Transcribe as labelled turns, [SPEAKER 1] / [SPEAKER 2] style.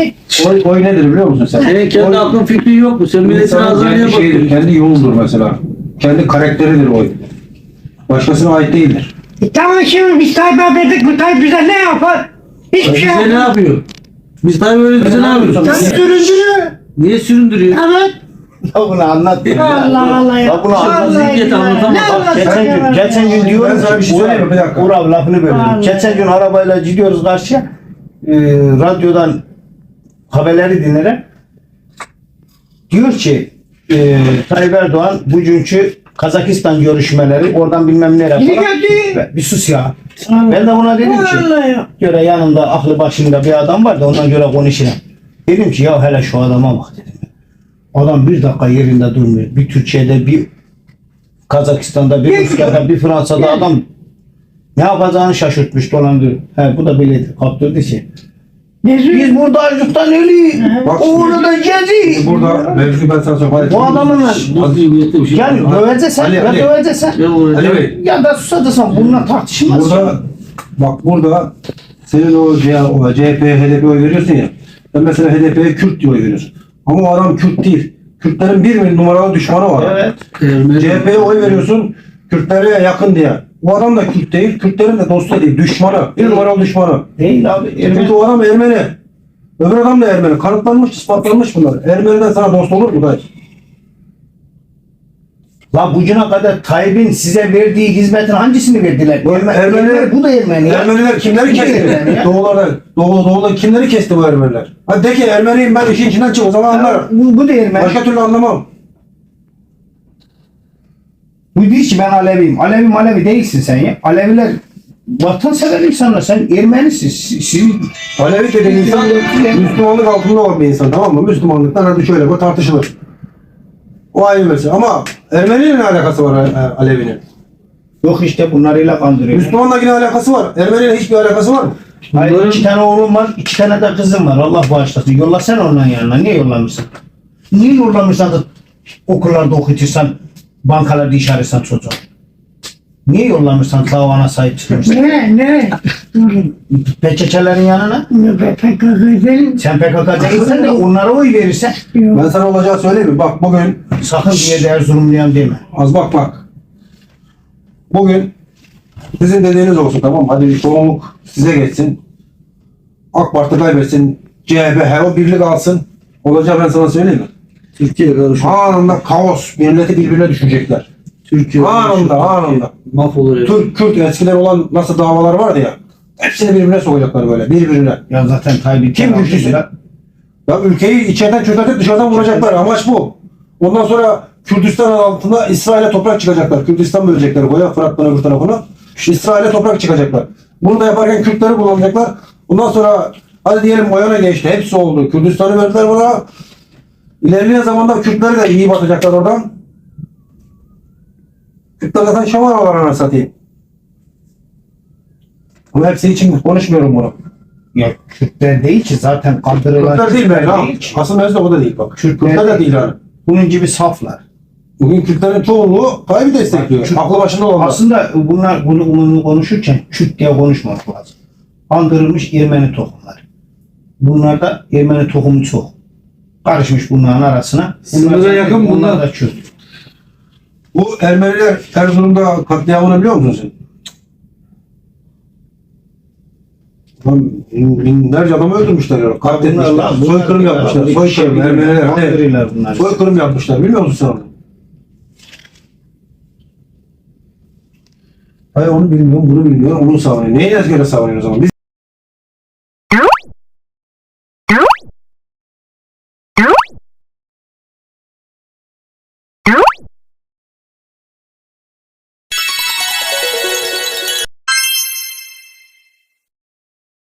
[SPEAKER 1] Oy nedir biliyor musun sen?
[SPEAKER 2] Senin kendi aklın fikrin yok mu? Sen milletin
[SPEAKER 1] İnsanın
[SPEAKER 2] ağzına niye
[SPEAKER 1] kendi şeyidir,
[SPEAKER 2] bakıyorsun?
[SPEAKER 1] kendi yoludur mesela. Kendi karakteridir oy. Başkasına ait değildir.
[SPEAKER 3] Tamam şimdi biz Tayyip'e verdik, bu Tayyip bize ne yapar? Hiçbir şey
[SPEAKER 2] Bize ne
[SPEAKER 3] yapmaz.
[SPEAKER 2] yapıyor? Biz tabii öyle bize ne yapıyoruz?
[SPEAKER 3] Sen süründürüyor.
[SPEAKER 2] Niye süründürüyor?
[SPEAKER 3] Evet.
[SPEAKER 4] Ya bunu anlat.
[SPEAKER 3] Allah Allah ya.
[SPEAKER 4] Ya bunu anlat.
[SPEAKER 2] Zihniyet anlatamaz.
[SPEAKER 3] Ne anlatacak?
[SPEAKER 4] Geçen gün diyoruz
[SPEAKER 1] Ben sana bir şey söyleyeyim mi? Bir dakika.
[SPEAKER 4] Uğur abi lafını bölüyorum.
[SPEAKER 3] Allah.
[SPEAKER 4] Geçen gün arabayla gidiyoruz karşıya. Radyodan haberleri dinlerim. Diyor ki Tayyip Erdoğan bugünkü Kazakistan görüşmeleri oradan bilmem nereye
[SPEAKER 3] Yine
[SPEAKER 4] falan.
[SPEAKER 3] geldi.
[SPEAKER 4] Bir sus ya.
[SPEAKER 3] Allah.
[SPEAKER 4] Ben de buna dedim ki
[SPEAKER 3] Allah ya.
[SPEAKER 4] göre yanımda aklı başında bir adam var da ondan göre konuşurum. Dedim ki ya hele şu adama bak dedim. Adam bir dakika yerinde durmuyor. Bir Türkiye'de, bir Kazakistan'da, bir Rusya'da, bir Fransa'da adam ne yapacağını şaşırtmış dolandırıyor. He bu da böyle kaptırdı ki. Biz burada açlıktan ölüyoruz.
[SPEAKER 1] Bak
[SPEAKER 4] O orada geziyor.
[SPEAKER 1] burada mevzu ben sana söyleyeyim.
[SPEAKER 4] Bu adamın
[SPEAKER 2] Bu zihniyette bir şey
[SPEAKER 4] yani
[SPEAKER 2] yok.
[SPEAKER 4] döveceksen
[SPEAKER 1] Ali,
[SPEAKER 4] ya
[SPEAKER 1] Ali.
[SPEAKER 4] döveceksen
[SPEAKER 2] Ne olacak?
[SPEAKER 1] Ali Bey,
[SPEAKER 4] ya da susacaksan bununla tartışılmaz.
[SPEAKER 1] burada senin o CHP, HDP oy veriyorsun ya. Ben mesela HDP'ye Kürt diye oy veriyorsun. Ama o adam Kürt değil. Kürtlerin bir numaralı düşmanı var.
[SPEAKER 4] Evet.
[SPEAKER 1] CHP'ye oy veriyorsun Kürtlere yakın diye. O adam da Kürt değil, Kürtlerin de dostu değil, düşmanı. Bir numaralı düşmanı.
[SPEAKER 4] Değil abi.
[SPEAKER 1] Çünkü o adam Ermeni. Öbür adam da Ermeni. Kanıtlanmış, ispatlanmış bunlar. Ermeni'den sana dost olur mu dayı?
[SPEAKER 4] La bugüne kadar Tayyip'in size verdiği hizmetin hangisini verdiler?
[SPEAKER 1] Ermeniler-
[SPEAKER 4] bu da Ermeni. ya.
[SPEAKER 1] Ermeniler kimleri
[SPEAKER 4] Bu da
[SPEAKER 1] kesti?
[SPEAKER 4] Ermeni ya.
[SPEAKER 1] Doğuda kimleri kesti bu Ermeniler? Hadi de ki Ermeniyim ben işin içinden çık o zaman anlarım.
[SPEAKER 4] Bu da Ermeni.
[SPEAKER 1] Başka türlü anlamam.
[SPEAKER 4] Bu değil ki ben Aleviyim. Alevi değilsin sen ya. Aleviler vatansever insanlar. Sen Ermenisin. Sizin
[SPEAKER 1] Alevi dediğin insan Müslümanlık altında olan bir insan, tamam mı? Müslümanlıktan hadi şöyle bu tartışılır. O ayrı mesele. Ama Ermeni'nin ne alakası var Alevi'nin?
[SPEAKER 4] yok işte bunlarıyla kandırıyor.
[SPEAKER 1] Müslümanla yine alakası var. Ermeni'yle hiçbir alakası var mı?
[SPEAKER 4] Hayır, 2 tane oğlum var, 2 tane de kızım var. Allah bağışlasın. Yollasana onların yanına. Niye yollamışsın? Niye yollamışsan da okullarda okutursan, bankalarda iş ararsan çocuğu? Niye yollamışsan davana sahip çıkmışsın?
[SPEAKER 3] Ne? Durun.
[SPEAKER 4] PKK'lerin yanına?
[SPEAKER 3] PKK değil.
[SPEAKER 4] Sen PKK değilsen de onlara oy verirsen
[SPEAKER 1] Ben sana olacağı söyleyeyim mi? Bak bugün
[SPEAKER 4] sakın bir yerde Erzurumluyan deme.
[SPEAKER 1] az bak. Bugün sizin dediğiniz olsun, tamam mı? Hadi çoğunluk size geçsin. AK Parti kaybetsin. CHP o birlik alsın. Olacağı ben sana söyleyeyim mi?
[SPEAKER 2] Türkiye karışıyor.
[SPEAKER 1] Anında kaos. Milleti birbirine düşecekler.
[SPEAKER 2] Türkiye
[SPEAKER 1] Anında.
[SPEAKER 2] mahvolur herif.
[SPEAKER 1] Türk, Kürt eskiden olan nasıl davalar vardı ya. Hepsini birbirine sokacaklar böyle. Birbirine.
[SPEAKER 4] Ya zaten Tayyip'i
[SPEAKER 1] Kim güçlüsü? Ya ülkeyi içeriden çökertip dışarıdan vuracaklar. Amaç bu. Ondan sonra Kürdistan altında İsrail'e toprak çıkacaklar. Kürdistan bölecekler koya Fırat'tan öbür tarafına. İsrail'e toprak çıkacaklar. Bunu da yaparken Kürtleri kullanacaklar. Ondan sonra hadi diyelim Oyana geçti. Hepsi oldu. Kürdistan'ı verdiler buna. İlerleyen zamanda Kürtleri de iyi batacaklar oradan. Kürtler zaten şamaralar anasını satayım. Ama hepsi için konuşmuyorum bunu.
[SPEAKER 4] Ya Kürtler değil ki zaten kandırılan
[SPEAKER 1] Kürtler değil ben ha.
[SPEAKER 4] değil ki.
[SPEAKER 1] Asıl mevzu o da değil bak. Kürtler de değil yani.
[SPEAKER 4] Bunun gibi saflar.
[SPEAKER 1] Bugün Kürtlerin çoğunluğu Tayyip'i destekliyor.
[SPEAKER 4] Kürt-
[SPEAKER 1] Aklı başında olanlar.
[SPEAKER 4] Aslında bunu konuşurken Kürt diye konuşmamak lazım. Kandırılmış Ermeni tohumlar. Bunlarda Ermeni tohumu çok. Karışmış bunların arasına.
[SPEAKER 1] Sınıra yakın bunlar.
[SPEAKER 4] da Kürt.
[SPEAKER 1] Bu Ermeniler Erzurum'da katliamını biliyor musun sen? Lan binlerce adamı öldürmüşler ya. Katletmişler. Soykırım yapmışlar. Soykırım. Ermeniler hani
[SPEAKER 4] Kandırıyorlar bunlar.
[SPEAKER 1] soykırım yapmışlar. Bilmiyor musun sen onu? Hayır onu bilmiyorum, bunu bilmiyorum, onu savunuyor. Neyi göre savunuyor o zaman? Biz